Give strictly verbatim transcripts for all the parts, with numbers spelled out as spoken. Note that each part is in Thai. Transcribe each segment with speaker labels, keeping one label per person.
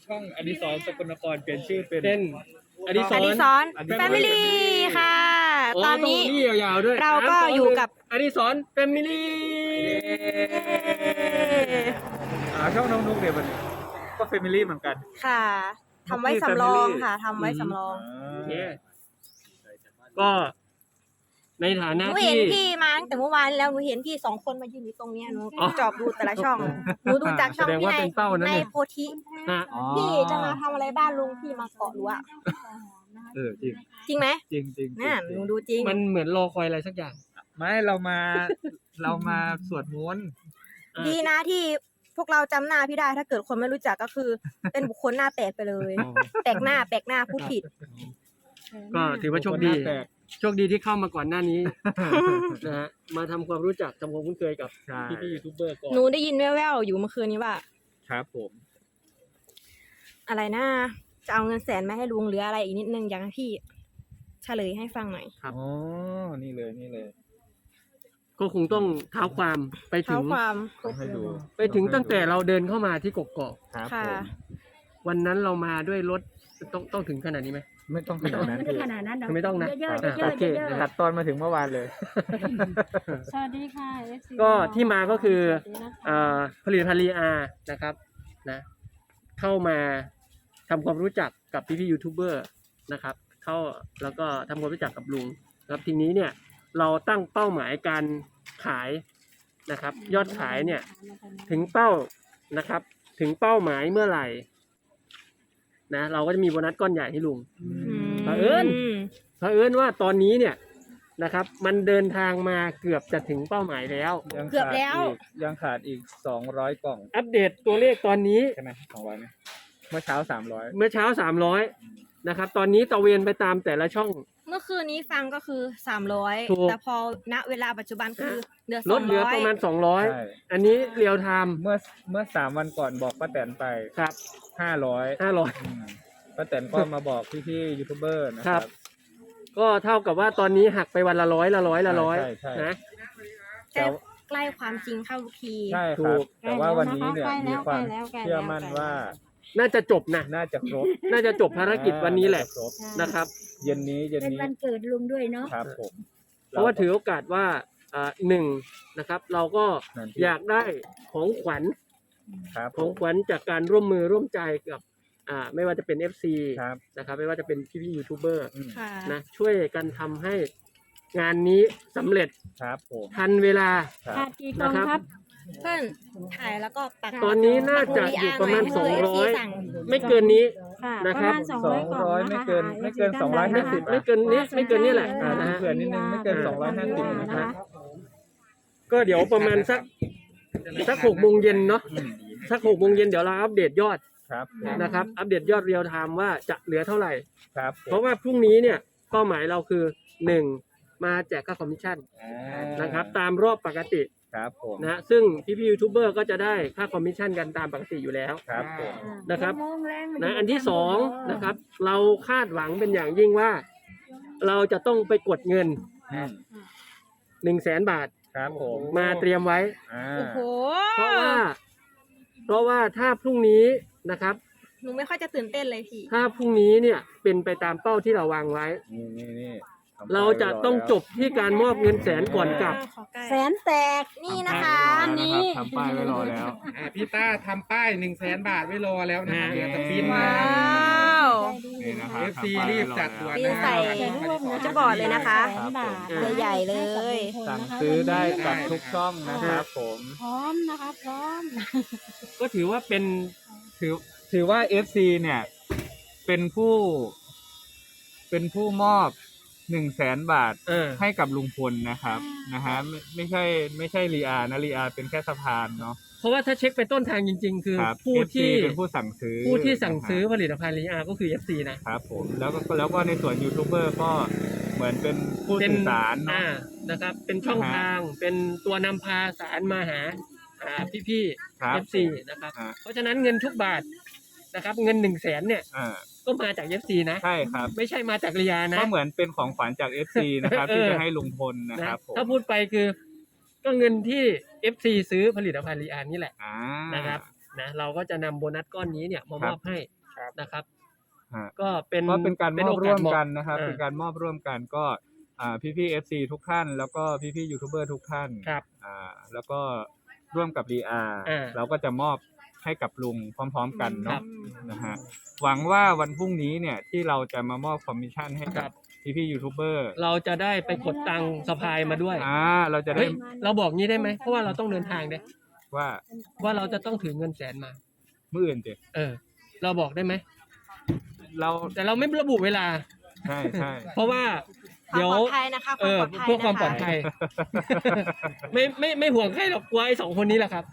Speaker 1: ช่องอดิศรสกลนครเปลี่ยนชื่อเป็น
Speaker 2: เป็นอดิศ
Speaker 3: อ
Speaker 2: ร
Speaker 3: ดิศร
Speaker 1: Family
Speaker 3: แฟมิลี่ค่ะ ตอนนี้
Speaker 2: นี่ยาวๆด้วย
Speaker 3: เราก็อยู่กับ
Speaker 2: อดิศรแฟมิลี่
Speaker 1: อ่าช่องน้องนุ๊กเนี่ยมันก็แฟมิลี่เหมือนกัน
Speaker 3: ค่ะทำไว้สำรองค่ะทำไว้สำรอง
Speaker 2: โอเคก็ในฐา
Speaker 3: ห
Speaker 2: นะ
Speaker 3: นูเห็
Speaker 2: ที่
Speaker 3: นพี่มาตั้งแต่เมื่อวานแล้วหนูเห็นพี่สองคนมายืนอยู่ตรงเนี้ยหนู
Speaker 2: อ๋อ
Speaker 3: จอบดูแต่ละช่องหนูดูจากช่อง
Speaker 2: แสดง
Speaker 3: พี่
Speaker 2: ว่า
Speaker 3: ใน
Speaker 2: เป็นเป้านะ
Speaker 3: ใน
Speaker 2: เนี่ย
Speaker 3: โพธิ
Speaker 2: ฮะ
Speaker 1: อ๋อ
Speaker 3: พี่จะมาทำอะไรบ้านลุงพี่มาเกาะรั้ว
Speaker 1: เออจริง
Speaker 3: จริงไหม
Speaker 1: จริงจริง
Speaker 3: น่ะหนูดูจริง
Speaker 2: มันเหมือนรอคอยอะไรสักอย่าง
Speaker 1: ไม่เรามาเรามาสวดมนต์
Speaker 2: อ่ะ
Speaker 3: ดีนะที่พวกเราจำหน้าพี่ได้ถ้าเกิดคนไม่รู้จักก็คือ เป็นบุคคลหน้าแปลกไปเลย แปลกหน้าแปลกหน้าพูดผิด
Speaker 2: ก็ถือว่าโชคดี
Speaker 1: นหน้าแตก
Speaker 2: โชคดีที่เข้ามาก่อนหน้านี้ นะฮะมาทำความรู้จักทำความคุ้นเคยกับ
Speaker 1: ใช่
Speaker 2: พี่ๆยูทูบเบอร์ก่อน
Speaker 3: หนูได้ยินแว่วๆอยู่เมื่อคืนนี้ว่า
Speaker 1: ครับผม
Speaker 3: อะไรนะจะเอาเงินแสนมาให้ลุงหรืออะไรอีกนิดนึงอยากให้พี่เฉลยให้ฟังหน่อย
Speaker 2: ครับ
Speaker 1: อ๋อนี่เลยนี่เลย
Speaker 2: ก็คงต้องเท้าความไปถึ
Speaker 3: เท้าง ความ
Speaker 1: ต้องให้ดู
Speaker 2: ไปถึงตั้งแต่เราเดินเข้ามาที่กกอก
Speaker 1: ครับ
Speaker 3: ค่ะ
Speaker 1: ผม
Speaker 2: วันนั้นเรามาด้วยรถต้องต้องถึงขนาดนี้ไหม
Speaker 1: ไม่ต้องขนาดนั้น
Speaker 4: ไม่
Speaker 1: พี่
Speaker 4: ขนาดนั้นหรอก
Speaker 2: ไม่ต้องนะ
Speaker 4: เยอะๆ
Speaker 1: อ่ะ
Speaker 4: เยอะ
Speaker 2: โอเค
Speaker 4: ๆเยอะ
Speaker 1: ตัดตอนมาถึงเมื่อวานเลย
Speaker 4: ๆสวัสดีค่ะ เอฟซี
Speaker 2: ก็ที่มาก็คือ
Speaker 4: สวัสดีนะคะ
Speaker 2: เอ่อผลิตภัณฑ์ลีอานะครับนะเข้ามาทำความรู้จักกับพี่ๆยูทูบเบอร์นะครับเข้าแล้วก็ทำความรู้จักกับลุงแล้วทีนี้เนี่ยเราตั้งเป้าหมายการขายนะครับยอดขายเนี่ยถึงเป้านะครับถึงเป้าหมายเมื่อไหร่นะเราก็จะมีโบนัสก้อนใหญ่ให้ลุง เผอิญ เผอิญว่าตอนนี้เนี่ยนะครับมันเดินทางมาเกือบจะถึงเป้าหมายแล้ว
Speaker 1: ยัง
Speaker 3: เกือบ
Speaker 1: ขาด
Speaker 3: แล้ว
Speaker 1: อีกยังขาดอีกสองร้อยกล่อง
Speaker 2: อัปเดตตัวเลขตอนนี้
Speaker 1: ใช่ไหมสองร้อยไหมเมื่อเช้าสามร้อย
Speaker 2: เมื่อเช้าสามร้อยนะครับตอนนี้ตะเวนไปตามแต่ละช่อง
Speaker 3: เมื่อคืนนี้ฟังก็คือสามร้อย
Speaker 2: ถูก
Speaker 3: แต่พอณเวลาปัจจุบันคือเหลือ
Speaker 2: ล
Speaker 3: สอ
Speaker 2: ด
Speaker 3: ง
Speaker 2: เหลือ
Speaker 3: ร้อ
Speaker 2: ป
Speaker 3: ย
Speaker 2: ระมาณสองร้อย
Speaker 1: ใช่
Speaker 2: อันนี้เรียวไทม์
Speaker 1: เมื่อเมื่อสามวันก่อนบอกป้าแตนไป
Speaker 2: ครับ
Speaker 1: ห้าร้อย
Speaker 2: ห้าร้อย
Speaker 1: ป้าแตนก็มาบอกพี่ๆยูทูบเบอร์นะค
Speaker 2: ครั
Speaker 1: รับ บ
Speaker 2: ก็เท่ากับว่าตอนนี้หักไปวันละร้อยละร้อยละร้อย
Speaker 1: ใช่ใช่ใช่
Speaker 2: นะ
Speaker 3: ใกล้ใกล้ความจริงเข้าทุกที
Speaker 1: ใช่ค
Speaker 2: ถู
Speaker 1: รับ
Speaker 2: ก
Speaker 1: แต่ว่าวันนี้เนี่ย
Speaker 4: ใกล้
Speaker 1: มี
Speaker 4: แล้ว
Speaker 1: ความ
Speaker 4: ใกล้แล้วใกล้แล้ว
Speaker 1: เชื่อมั่นว่า
Speaker 2: น่าจะจบนะ
Speaker 1: น่าจะครบ
Speaker 2: น่าจะจบภารกิจวันนี้แหละ
Speaker 1: าจครบ
Speaker 2: นะครับ
Speaker 1: เย็นนี้เย็น
Speaker 4: เป็น
Speaker 1: นี้
Speaker 4: วันเกิดลุงด้วยเนาะ
Speaker 1: ครับผม
Speaker 2: เพราะว่าถือโอกาสว่าอ่าหนึ่งนะครับ เราก็
Speaker 1: นั่น
Speaker 2: อยากได้ของขวัญ
Speaker 1: ครับ
Speaker 2: ของขวัญจากการร่วมมือร่วมใจกับอ่าไม่ว่าจะเป็น เอฟ ซี
Speaker 1: ครับ
Speaker 2: นะครับไม่ว่าจะเป็นพี่ๆยูทูบเบอร์
Speaker 1: อืม
Speaker 3: ค่ะ
Speaker 2: นะช่วยกันทำให้งานนี้สำเร็จ
Speaker 1: ครับผม
Speaker 2: ทันเวลา
Speaker 1: ครั
Speaker 4: ขา
Speaker 1: บ
Speaker 4: ดกี่กล่องครับ
Speaker 3: เพื่อนถ่ายแล้วก็ปัก
Speaker 2: ตอนนี้น่าจะอยู่ประมาณ
Speaker 3: ปั
Speaker 2: ส
Speaker 3: ก
Speaker 2: อง
Speaker 3: หมุด
Speaker 2: ร้อย
Speaker 3: ให้ เอฟซีสั่ง
Speaker 2: ไม่เกินนี้
Speaker 4: ค่ะ
Speaker 2: นะ
Speaker 4: ป
Speaker 2: ค
Speaker 4: ระ
Speaker 2: รับ
Speaker 4: มาณสอง
Speaker 1: ส
Speaker 4: ร้
Speaker 1: อ
Speaker 4: อย
Speaker 1: ง
Speaker 4: กล่อง
Speaker 1: ร้อย
Speaker 4: นะ
Speaker 1: ไม่
Speaker 4: คะ
Speaker 1: เกินไม่เกินสองร้อยห้าสิบ
Speaker 2: ไม่เกินนี้ไม่เกินนี้แหละอ่านะฮะ
Speaker 1: เผื่อนิดนึงไม่เกินสองร้อยห้าสิบนะครับ
Speaker 2: ก็เดี๋ยวประมาณสักสักหกโมงเย็นเนาะ
Speaker 1: อืม
Speaker 2: สักหกโมงเย็นเดี๋ยวเราอัปเดตยอด
Speaker 1: ครับผม
Speaker 2: นะครับ อัปเดตยอดเรียลไทม์ว่าจะเหลือเท่าไหร่
Speaker 1: ครับผม
Speaker 2: เพราะว่าพรุ่งนี้เนี่ยเป้าหมายเราคือหนึ่งมาแจกค่าคอมมิชชั่น
Speaker 1: อ่า
Speaker 2: นะครับตามรอบปกติ
Speaker 1: ครับผม
Speaker 2: นะฮะซึ่งพี่ๆยูทูบเบอร์ก็จะได้ค่าคอมมิชชั่นกันตามปกติอยู่แล้ว
Speaker 1: ครับผม
Speaker 2: นะครับ
Speaker 4: โมงแรง
Speaker 2: นะอันที่สองนะครับเราคาดหวังเป็นอย่างยิ่งว่า เราจะต้องไปกดเงิน
Speaker 1: อืม
Speaker 2: หนึ่งแสนบาท
Speaker 1: ครับผม
Speaker 2: มาเตรียมไว้
Speaker 1: อ่า
Speaker 3: โอ้โห
Speaker 2: เพราะว่า เพราะว่าถ้าพรุ่งนี้นะครับ
Speaker 3: หนูไม่ค่อยจะตื่นเต้นเลยพี่
Speaker 2: ถ้าพรุ่งนี้เนี่ยเป็นไปตามเป้าที่เราวางไว้
Speaker 1: นี่นี่นี่ทำไป
Speaker 2: เราจะต้องจบที่การมอบเงินแสนก่อนกลับ
Speaker 4: แสนแตก
Speaker 3: นี่นะคะ
Speaker 1: ทำป้ายไว้รอแล้วนะครับทำป้ายไว้รอแล้ว
Speaker 5: อ่าพี่ต้าทำป้ายหนึ่งแสนบาทไว้รอแล้วนะครับ
Speaker 2: อ่า
Speaker 5: เดี๋ยวจะบิน
Speaker 3: ว้
Speaker 5: มา
Speaker 3: าว
Speaker 1: นี่นะครับ
Speaker 5: เอฟซีรีบจัดด่วน
Speaker 3: บิน
Speaker 5: นะ
Speaker 3: ใส่
Speaker 4: หนู
Speaker 3: จะบอกเลยนะคะ
Speaker 4: ตัว
Speaker 3: ใหญ่ๆเลย
Speaker 1: สั่งซื้อได้กับทุกช่องนะครับผม
Speaker 4: พร้อมนะคะพร้อม
Speaker 2: ก็ถือว่าเป็น
Speaker 1: ถือถือว่า เอฟ ซี เนี่ย เป็นผู้ เป็นผู้มอบหนึ่งแสนบาท
Speaker 2: เออ
Speaker 1: ให้กับลุงพลนะครับ
Speaker 4: อ่าน
Speaker 1: นะฮะไม่ไม่ใช่ไม่ใช่รีอานะรีอาเป็นแค่สะพานเนาะ
Speaker 2: เพราะว่าถ้าเช็คไปต้นทางจริง ๆ คือ
Speaker 1: ครับ
Speaker 2: ผู้
Speaker 1: เอฟซี
Speaker 2: ที่
Speaker 1: เป็นผู้สั่งซื้อ
Speaker 2: ผู้ที่สั่งซื้อ
Speaker 1: นะ
Speaker 2: ผลิตภัณฑ์ลีอาก็คือ เอฟ ซี นะ
Speaker 1: ครับผมแล้วก็แล้วก็ในส่วนยูทูบเบอร์ก็เหมือนเป็นผู้
Speaker 2: เป็น
Speaker 1: สื่อสารเนาะ
Speaker 2: อ่านะครับ เป็นช่อง
Speaker 1: นะฮะ
Speaker 2: ทาง เป็นตัวนำพาสารมาหาอ่าพี่
Speaker 1: ครั
Speaker 2: ๆ
Speaker 1: บ
Speaker 2: เอฟ ซี นะครับ
Speaker 1: อ่า
Speaker 2: เพราะฉะนั้นเงินทุกบาทนะครับ เงินหนึ่งแสนเนี่ย
Speaker 1: อ่า
Speaker 2: ก็มาจาก เอฟ ซี นะ
Speaker 1: ใช่ครับ
Speaker 2: ไม่ใช่มาจากลีอานะ
Speaker 1: ก็เหมือนเป็นของขวัญจาก เอฟ ซี นะครับ
Speaker 2: เออ
Speaker 1: ที่จะให้ลุงพลนะ
Speaker 2: นะครับ
Speaker 1: ผม
Speaker 2: ถ้าพูดไปคือ ก็เงินที่ เอฟ ซี ซื้อผลิตภัณฑ์ลีอานี่แหละ
Speaker 1: อ่า
Speaker 2: นะครับนะเราก็จะนำโบนัสก้อนนี้เนี่ยมามอบให้นะครับ
Speaker 1: ฮะ
Speaker 2: ก็เป็น
Speaker 1: ก็เป็นการมอบร่วมกันนะครับ
Speaker 2: เออ
Speaker 1: เป็นการมอบร่วมกันก็อ่าพี่พี่เอฟซีทุกท่าน แล้วก็พี่พี่ยูทูบเบอร์ทุกท่าน
Speaker 2: ครับ
Speaker 1: อ่าแล้วก็ร่วมกับดีอาร์
Speaker 2: อ่า
Speaker 1: เราก็จะมอบให้กับลุงพร้อม ๆ กัน
Speaker 2: ครั
Speaker 1: เนาะ
Speaker 2: บ
Speaker 1: นะฮะหวังว่าวันพรุ่งนี้เนี่ยที่เราจะมามอบคอมมิชชั่นให้
Speaker 2: ค
Speaker 1: กั
Speaker 2: รั
Speaker 1: บบ พี่พี่ยูทูบเบอร์
Speaker 2: เราจะได้ไปกดตังค์สะพายมาด้วย
Speaker 1: อ่าเราจะได้
Speaker 2: เฮ้ยเราบอกงี้ได้ไหมเพราะว่าเราต้องเดินทางเด้
Speaker 1: ว่า
Speaker 2: ว่าเราจะต้องถือเงินแสนมา
Speaker 1: มื่ออื่นเจ
Speaker 2: เออ เราบอกได้ไหม
Speaker 1: เรา
Speaker 2: แต่เราไม่ระบุเวลา
Speaker 1: ใช่ใช่
Speaker 2: เพราะว่า
Speaker 3: ความ
Speaker 2: เดี๋ยว
Speaker 3: ปลอดภัยนะคะ
Speaker 2: เออ
Speaker 3: ความปลอดภัย
Speaker 2: เพื่อความปลอด
Speaker 3: นะคะ
Speaker 2: ภัย ไม่ไม่ไม่ห่วงใครหรอกกลัวไอ้สองคนนี้แหละครับ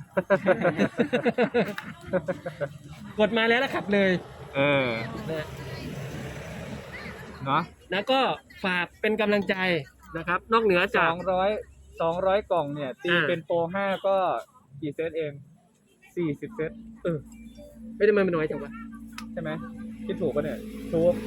Speaker 2: กดมาแล้วนะครับเลย
Speaker 1: เออ
Speaker 2: นะ
Speaker 1: เนาะ
Speaker 2: แล้วก็ฝากเป็นกำลังใจนะครับ นอกเหนือ
Speaker 1: ส
Speaker 2: จาก
Speaker 1: องร้อยสองร้อยกล่องเนี่ยตี
Speaker 2: อ่า
Speaker 1: เป็นโปรห้าก็กี่เซตเองสี่สิบเซต
Speaker 2: เออไม่ได้มาเป็นน้อยจังวะ
Speaker 1: ใช่ไหมคิดถูกปะเนี่ยถูก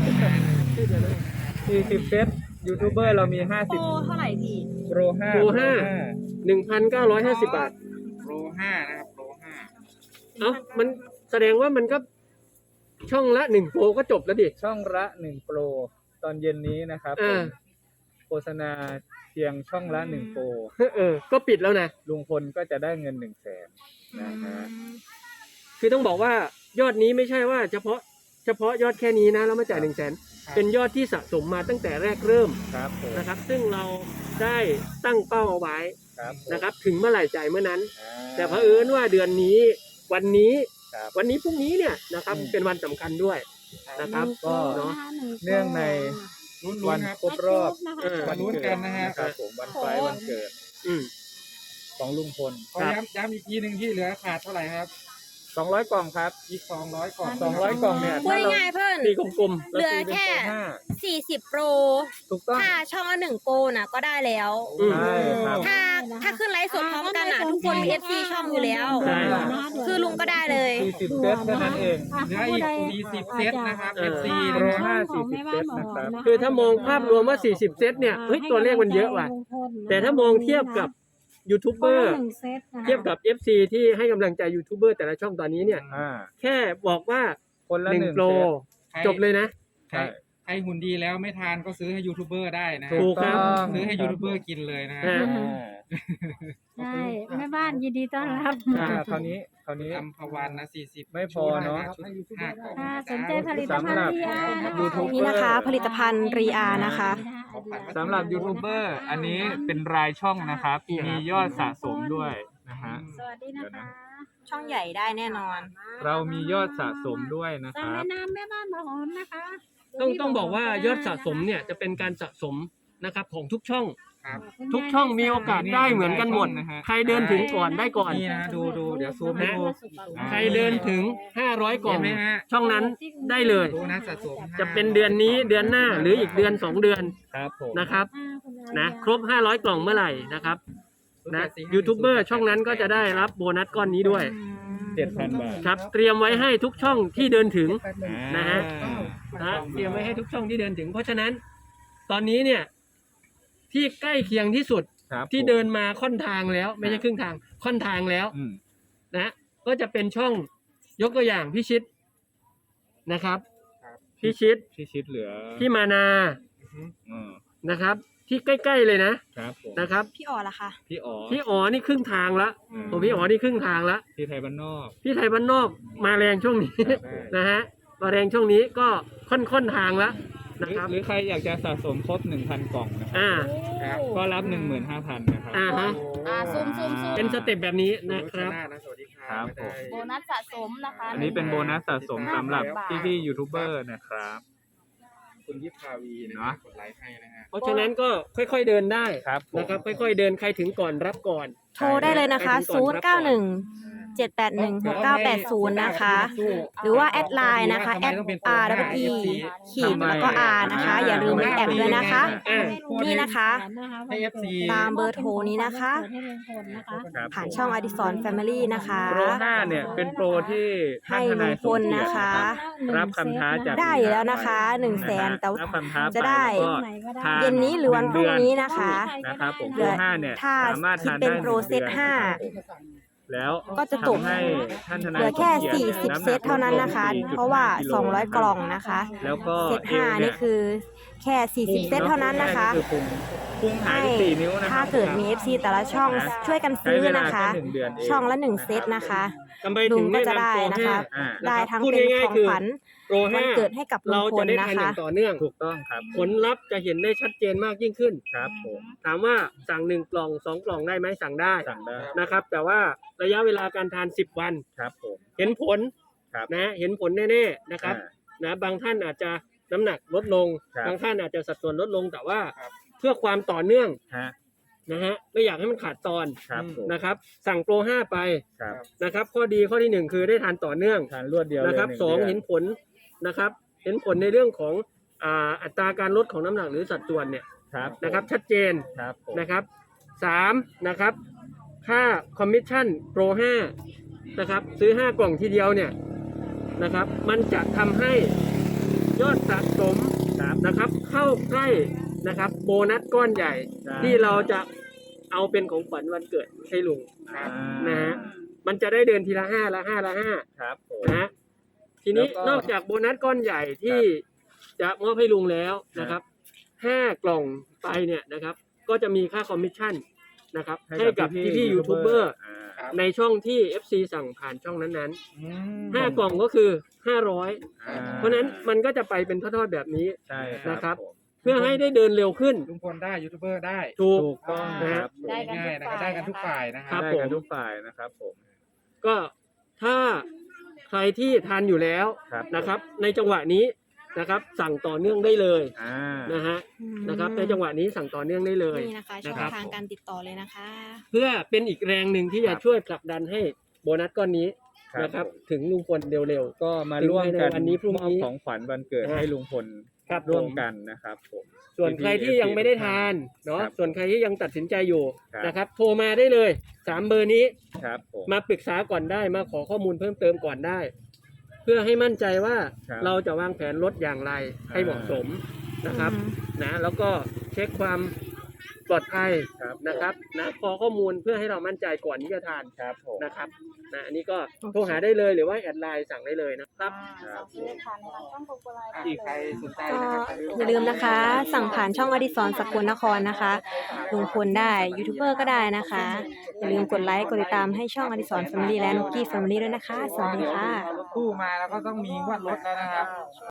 Speaker 1: สี่สิบเซตยูทูบเบอร์เรามีห้า
Speaker 3: โป
Speaker 1: สิบ
Speaker 3: รเท่าไหร่พี่
Speaker 1: โปรห้า
Speaker 2: โปรห้า หนึ่งพันเก้าร้อยห้าสิบบาท
Speaker 5: โปรห้านะครับโปรห้า
Speaker 2: เอ้ามันแสดงว่ามันก็ช่องละหนึ่งโปรก็จบแล้วดิ
Speaker 1: ช่องละหนึ่งโปรตอนเย็นนี้นะครับ
Speaker 2: อ่า
Speaker 1: ผมโฆษณาเพียงช่องละหนึ่งโปร
Speaker 2: เออ ก็ปิดแล้วนะ
Speaker 1: ลุงพลก็จะได้เงินหนึ่งแสนนะฮะ
Speaker 2: คือต้องบอกว่ายอดนี้ไม่ใช่ว่าเฉพาะเฉพาะยอดแค่นี้นะแล้วมาจ่ายหนึ่งแสนเป็นยอดที่สะสมมาตั้งแต่แรกเริ่ม
Speaker 1: ครับผม
Speaker 2: นะครับ ซึ่งเราได้ตั้งเป้าเอาไว้
Speaker 1: ครับผม
Speaker 2: นะครับ ถึงเมื่อไหร่จ่ายเมื่อนั้น
Speaker 1: อ่า
Speaker 2: แต่เผอิญว่าเดือนนี้วันนี้
Speaker 1: ครับ
Speaker 2: วันนี้พรุ่งนี้เนี่ยนะครับ
Speaker 1: อืม
Speaker 2: เป็นวันสำคัญด้วยนะครับ
Speaker 1: ก็
Speaker 2: เนาะ
Speaker 1: เนื่องใน
Speaker 5: ลุ้น
Speaker 1: วั
Speaker 5: ๆ
Speaker 1: น
Speaker 5: ครับ
Speaker 1: ครบรอบ
Speaker 2: เออ
Speaker 1: วัน
Speaker 5: ลุ้น
Speaker 1: เกิ
Speaker 5: กั
Speaker 1: ด
Speaker 5: นนะฮะ
Speaker 1: ครับผมวันคล้ายวันเกิด
Speaker 2: อืม
Speaker 1: ของลุงพล
Speaker 5: ขอย้ำย้ำอีกทีหนึ่งที่เหลือขาดเท่าไหร่ครับ
Speaker 1: สองร้อยกล่องครับ
Speaker 5: อีกสองร้อยกล่อง
Speaker 1: สองร้อยกล่องเนี่ย
Speaker 3: พูดง่ายๆเพิ่น
Speaker 2: ตีกลม
Speaker 3: เหลือแค่
Speaker 1: ราตีเป็นโปรห้า
Speaker 3: สี่สิบโปร
Speaker 1: ถูกต้อง
Speaker 3: ถ้าช่องละหนึ่งโปรน่ะก็ได้แล้ว
Speaker 2: ๆอืม
Speaker 1: ใช่ครับ
Speaker 3: ถ้าถ้าขึ้นไลฟ์สดพร้อมกันอ่ะ ทุกคนมี เอฟ ซี ช่องอยู่แล้ว
Speaker 2: ใช่
Speaker 3: คือลุงก็ได้เลย
Speaker 1: สี่สิบเซตแค่นั้นเอง
Speaker 5: เหลืออีกสี่สิบเซตนะครับ
Speaker 2: เออ
Speaker 5: เอฟ ซี
Speaker 1: โปรห้าสี่สิบเซตนะครับ
Speaker 2: คือถ้ามองภาพรวมว่าสี่สิบเซตเนี่ยเฮ้ยตัวเลขมันเยอะว่ะ แต่ถ้ามองเทียบกับยูทูบเบอร์เทียบกับ เอฟ ซี ที่ให้กำลังใจยูทูบเบอร์แต่ละช่องตอนนี้เนี่ย
Speaker 1: อ่า
Speaker 2: แค่บอกว่า
Speaker 1: คนละ
Speaker 2: หนึ่
Speaker 1: ห
Speaker 2: ง
Speaker 1: นึ่ง
Speaker 2: โปร
Speaker 1: เซต
Speaker 5: ใคร
Speaker 2: จบเลยนะ
Speaker 5: ใครใครหุ่นดีแล้วไม่ทานก็ซื้อให้ยูทูบเบอร์ได้นะ
Speaker 2: ถูกครับ
Speaker 1: ต้อง
Speaker 5: ซื้อให้ยูทูบเบอร์กินเลยนะฮะ
Speaker 2: อ่า
Speaker 4: ใช่แม่บ้านยินดีต้อนรับ
Speaker 1: อ่าคราวนี้คราวนี้
Speaker 5: อัมพวันนะสี่สิบ
Speaker 1: ไม่พอเนอะ
Speaker 5: ชุดห้ากล่อง
Speaker 4: ค่ะสนใจผลิตภัณฑ์ที่อา
Speaker 1: ยูทูบ
Speaker 3: นี่นะคะ ผลิตภัณฑ์รีอานะคะ
Speaker 1: สำหรับยูทูบเบอร์อันนี้เป็นรายช่องนะครับ มียอดสะสมด้วยนะฮะ
Speaker 4: สวัสดีนะคะ
Speaker 3: ช่องใหญ่ได้แน่นอน
Speaker 1: เรามียอดสะสมด้วยนะค
Speaker 4: สั่ง
Speaker 1: รับ
Speaker 4: ในนามแม่บ้านมาหอมนะคะ
Speaker 2: ต้องต้องบอกว่ายอดสะสมเนี่ยจะเป็นการสะสมนะครับของทุกช่อง
Speaker 5: ครับ
Speaker 2: ทุกช่องมีโอกาสได้เหมือนกันหมด
Speaker 1: นะฮะ
Speaker 2: ใครเดินถึงก่อนได้ก่อน
Speaker 5: นี่นะดูดูเดี๋ยวซูมให้ดู
Speaker 2: ใครเดินถึงห้าร้อยกล่อง
Speaker 5: เห็นไหมฮะ
Speaker 2: ช่องนั้นได้เลย
Speaker 5: ดูนะสะสม
Speaker 2: จะเป็นเดือนนี้เดือนหน้าหรืออีกเดือนสองเดือน
Speaker 1: ครับผม
Speaker 2: นะครับนะครบห้าร้อยกล่องเมื่อไหร่นะครับนะยูทูบเบอร์ช่องนั้นก็จะได้รับโบนัสก้อนนี้ด้วย
Speaker 1: เจ็ดพันบาท
Speaker 2: ครับเตรียมไว้ให้ทุกช่องที่เดินถึง นะฮะ
Speaker 1: อ่า
Speaker 2: นะเตรียมไว้ให้ทุกช่องที่เดินถึง เพราะฉะนั้น ตอนนี้เนี่ยที่ใกล้เคียงที่สุด
Speaker 1: ครับ
Speaker 2: ที่เดินมาค่อนทางแล้ว ไม่ใช่ครึ่งทางค่อนทางแล้ว
Speaker 1: อืม
Speaker 2: นะก็จะเป็นช่องยกตัวอย่างพี่ชิดนะครับพี่ชิด
Speaker 1: พี่ชิดเหลือ
Speaker 2: พี่มานา
Speaker 1: อืม
Speaker 2: นะครับ ที่ใกล้ๆเลยนะครับ
Speaker 1: ผม
Speaker 2: นะครับ
Speaker 3: พี่อ๋อล่ะคะ
Speaker 1: พี่อ๋อ
Speaker 2: พี่อ๋อนี่ครึ่งทางละ
Speaker 1: อืม
Speaker 2: ผมพี่อ๋อนี่ครึ่งทางละ
Speaker 1: พี่ไทยบ้านนอก
Speaker 2: พี่ไทยบ้านนอกมาแรงช่วงนี้
Speaker 1: ครับ
Speaker 2: นะฮะมาแรงช่วงนี้ก็ค่อนค่อนทางละ
Speaker 1: หรื
Speaker 2: นะ
Speaker 1: อ
Speaker 2: ครับ
Speaker 1: หรือใครอยากจะสะสมครบหนึ่งพันกล่องนะครับ
Speaker 2: อ่า
Speaker 1: ก็รับหนึ่งหมื่นห้าพันนะครับ
Speaker 2: อ่าฮะ
Speaker 3: อ่าซูมซูมซูม
Speaker 2: เป็นสเต็ปแบบนี้นะครับ
Speaker 5: สวัสดีค
Speaker 1: ครั
Speaker 5: รับบ
Speaker 1: ผม
Speaker 3: โบนัสสะสมนะคะ
Speaker 1: อันนี้เป็นโบนัสสะสมสำหรับพี่พี่ๆยูทูบเบอร์นะครับ
Speaker 5: คุณยิปพาวีนะ
Speaker 1: เนอะ
Speaker 5: กดไลค์ให้นะฮะ
Speaker 2: เพราะฉะนั้นก็ค่อยๆเดินได้
Speaker 1: ครับผม
Speaker 2: นะครับ ค่อยๆเดินใครถึงก่อนรับก่อน
Speaker 3: โทรได้เลยนะคะ ศูนย์ เก้า หนึ่ง เจ็ด แปด หนึ่ง หก เก้า แปด ศูนย์ นะคะ หรือว่าแอดไลน์นะคะ แอด อาร์ ดับเบิล อี ขีดแล้วก็ R นะคะ อย่าลืมมีแอดด้วยนะคะ
Speaker 2: อ่า
Speaker 3: นี่นะคะ
Speaker 5: ให้ เอฟ ซี
Speaker 3: ตามเบอร์โทรนี้นะคะ
Speaker 1: ครับ
Speaker 3: ผ่านช่องอดิสรแฟมิลี่นะคะ
Speaker 1: โปรห้าเนี่ยเป็นโปรที่ท่านทนายสมเกียรตินะครับรับคำท้าจาก
Speaker 3: ได้อยู่แล้วนะคะหนึ่งแสนแต่
Speaker 1: รับคำท้า
Speaker 3: จะได้
Speaker 1: ไปแล้วก็ทาน
Speaker 3: เย็นนี้หรือวันพรุ่งนี้นะคะ
Speaker 1: นะครับผม
Speaker 3: เห
Speaker 1: โป
Speaker 3: ลื
Speaker 1: ร
Speaker 3: อ
Speaker 1: ห้าเนี่ย
Speaker 3: ถ้า
Speaker 1: สามารถทาน
Speaker 3: คิดเป็น
Speaker 1: ได้
Speaker 3: โปรเซต
Speaker 1: นึ่งดือน
Speaker 3: ห้า
Speaker 1: ครับผมแล้ว
Speaker 3: ก็จะตก
Speaker 1: ทำให้ท่านทนาย
Speaker 3: เหลือแค่
Speaker 1: สมเกียรติ
Speaker 3: สี่สิบ
Speaker 1: น้ำหนัก
Speaker 3: เซตเท่านั้นนะคะ
Speaker 1: ลดลง
Speaker 3: เพราะว่า
Speaker 1: สี่จุดห้
Speaker 3: สองร้อย
Speaker 1: กิโ
Speaker 3: กล่องนะคะ
Speaker 1: แล้วก็
Speaker 3: เซตห้า
Speaker 1: เอว
Speaker 3: นี่คือแค่สี่สิบเซตเท่านั้นนะคะ
Speaker 1: อพุงพุงหาย
Speaker 3: ให้
Speaker 1: ไปสี่นิ้วนะครับ
Speaker 3: ถ้าเกิดมี เอฟ ซี แต่ละช่อง
Speaker 1: นะ
Speaker 3: ช่วยกัน
Speaker 1: ใช้
Speaker 3: ซื้อ
Speaker 1: เวลา
Speaker 3: นะคะ
Speaker 1: แค่หนึ่งเดือนเอง
Speaker 3: ช่องละหนึ่ง
Speaker 1: นะครับ
Speaker 3: เซตนะคะ
Speaker 2: ทำไม
Speaker 3: ลุ
Speaker 2: ถึ
Speaker 3: ง
Speaker 2: ง
Speaker 3: ก็
Speaker 2: แนะ
Speaker 3: จะ
Speaker 2: นำ
Speaker 3: ได้
Speaker 2: โปร
Speaker 3: นะ
Speaker 2: ห้า
Speaker 3: คะ
Speaker 1: อ่า
Speaker 3: ได้ทั้ง
Speaker 2: พูด
Speaker 3: เป็น
Speaker 2: ง่าย
Speaker 3: ของ
Speaker 2: ๆคือ
Speaker 3: ขวัญ
Speaker 2: โปร
Speaker 3: วั
Speaker 2: ห้าน
Speaker 3: เกิดให้กับลุ
Speaker 2: เรา
Speaker 3: งพ
Speaker 2: จะ
Speaker 3: ล
Speaker 2: ได้
Speaker 3: นะ
Speaker 2: ทานอ
Speaker 3: คะ
Speaker 2: ย่างต่อเนื่อง
Speaker 1: ถูกต้องครับ
Speaker 2: ผลลัพธ์จะเห็นได้ชัดเจนมากยิ่งขึ้น
Speaker 1: ครับผม
Speaker 2: ถามว่าสั่งหนึ่งกล่องสองกล่องได้ไหมสั่งได้
Speaker 1: สั่งได้
Speaker 2: นะครับ แต่ว่าระยะเวลาการทานสิบวัน
Speaker 1: ครับผม
Speaker 2: เห็นผล
Speaker 1: ครับ
Speaker 2: นะเห็นผลแน่ๆนะครับ
Speaker 1: อ่า
Speaker 2: นะบางท่านอาจจะน้ำหนักลดลง
Speaker 1: ครับ
Speaker 2: บางท่านอาจจะสัดส่วนลดลงแต่ว่า
Speaker 5: ครับ
Speaker 2: เพื่อความต่อเนื่อง
Speaker 1: ฮะ
Speaker 2: นะฮะไม่อยากให้มันขาดตอน
Speaker 1: ครับผม
Speaker 2: นะครับ สั่งโปรห้าไป
Speaker 1: ครับ
Speaker 2: นะครับ ข้อดีข้อที่หนึ่งคือได้ทานต่อเนื่อง
Speaker 1: ทานรวดเดียวเลย
Speaker 2: นะครับ
Speaker 1: นึ่
Speaker 2: สอง
Speaker 1: ดื
Speaker 2: เห็นผลนะครับ เห็นผลในเรื่องของอ่าอัตราการลดของน้ำหนักหรือสัดส่วนเนี่ย
Speaker 1: ครับผม
Speaker 2: นะครับ ชัดเจน
Speaker 1: ครับผม
Speaker 2: นะครับสามนะครับค่าคอมมิชชั่นโปรห้านะครับซื้อห้ากล่องทีเดียวเนี่ยนะครับ มันจะทำให้ยอดสะสม
Speaker 1: ครับ
Speaker 2: นะครับเข้าใกล้นะครับโบนัสก้อนใหญ่
Speaker 1: ใช่
Speaker 2: ที่เราจะเอาเป็นของขวัญวันเกิดให้ลุง
Speaker 1: อ่า
Speaker 2: นะฮะมันจะได้เดินทีละห้าละห้าละห้า
Speaker 1: ครับผม
Speaker 2: นะฮะทีนี้
Speaker 1: แล้วก็
Speaker 2: นอกจากโบนัสก้อนใหญ่ที่จะมอบให้ลุงแล้วนะครับห้ากล่องไปเนี่ยนะครับ ก็จะมีค่าคอมมิชชั่นนะครับให้กับพี่พี่ยูทูบเบอร์
Speaker 1: อ่า
Speaker 5: ครับ
Speaker 2: ในช่องที่ เอฟ ซี สั่งผ่านช่องนั้น
Speaker 5: อืม
Speaker 2: ๆห้ากล่องก็คือห้าร้อย
Speaker 1: อ่า
Speaker 2: เพราะฉะนั้นมันก็จะไปเป็นทอดๆแบบนี้
Speaker 1: ใช่
Speaker 2: นะครับ
Speaker 1: ผม
Speaker 2: เพื่อให้ได้เดินเร็วขึ้น
Speaker 5: ลุงพลได้ยูทูบเบอร์ได้
Speaker 2: ถูก
Speaker 1: ถูกต้องนะครับ
Speaker 4: ได้กัน
Speaker 5: ง่ายๆนะครับได้กันทุกฝ่ายนะค
Speaker 2: ครั
Speaker 5: รับ
Speaker 2: บ
Speaker 1: ได้กันทุกฝ่ายนะครับผม
Speaker 2: ก็ถ้าใครที่ทานอยู่แล้ว
Speaker 1: ครับ
Speaker 2: นะครับ ในจังหวะนี้นะครับ สั่งต่อเนื่องได้เลย
Speaker 1: อ่า
Speaker 2: นะฮะ
Speaker 3: อืม
Speaker 2: นะครับในจังหวะนี้สั่งต่อเนื่องได้เลย
Speaker 3: นี่นะคะช่อง
Speaker 2: นะครับ
Speaker 3: ทางการติดต่อเลยนะคะ
Speaker 2: เพื่อเป็นอีกแรงหนึ่งที่จะช่วยผลักดันให้โบนัสก้อนนี้
Speaker 1: ครับ
Speaker 2: นะครับ
Speaker 1: ผม
Speaker 2: ถึงลุงพลเร็ว
Speaker 1: ก็มาร่วมกัน
Speaker 2: ถึงในวันนี้พรุ่งนี้
Speaker 1: มอบของขวัญวันเกิด
Speaker 2: นะ
Speaker 1: ให้ลุงพล
Speaker 2: ครับ
Speaker 1: ร่วม
Speaker 2: ผม
Speaker 1: กันนะครับผม
Speaker 2: ๆ ส่วนใครที่ยังไม่ได้ทานเนาะ
Speaker 1: ครับ
Speaker 2: ส่วนใครที่ยังตัดสินใจอยู่
Speaker 1: ครับ
Speaker 2: นะครับ โทรมาได้เลยสามเบอร์นี้
Speaker 1: ครับผม
Speaker 2: มาปรึกษาก่อนได้มาขอข้อมูลเพิ่มเติมก่อนได้ เพื่อให้มั่นใจว่า
Speaker 1: ครับ
Speaker 2: เราจะวางแผนลดอย่างไรให้เหมาะสมนะครับ
Speaker 3: อืม
Speaker 2: นะแล้วก็เช็คความปลอดภัย
Speaker 1: ครับ
Speaker 2: นะครับนะขอข้อมูลเพื่อให้เรามั่นใจก่อนที่จะทาน
Speaker 1: ครับผม
Speaker 2: นะครับนะอันนี้ก็โทรหาได้เลยหรือว่าแอดไลน์สั่งได้เลยนะครับ
Speaker 1: ครับ
Speaker 5: อีกใครสนใจ
Speaker 3: ก็
Speaker 5: นะครับ
Speaker 3: อย่าลืมนะคะ สั่งผ่านช่องอดิศรสกลนครนะคะลุงพลได้ยูทูบเบอร์ก็ได้นะคะ อย่าลืมกดไลค์กดติดตามให้ช่องอดิศรแฟมิลี่และนุกกี้แฟมิลี่ด้วยนะคะ สวัสดีค่ะ
Speaker 5: รถตู้มาแล้วก็ต้องมีงวดรถแล้วนะครับ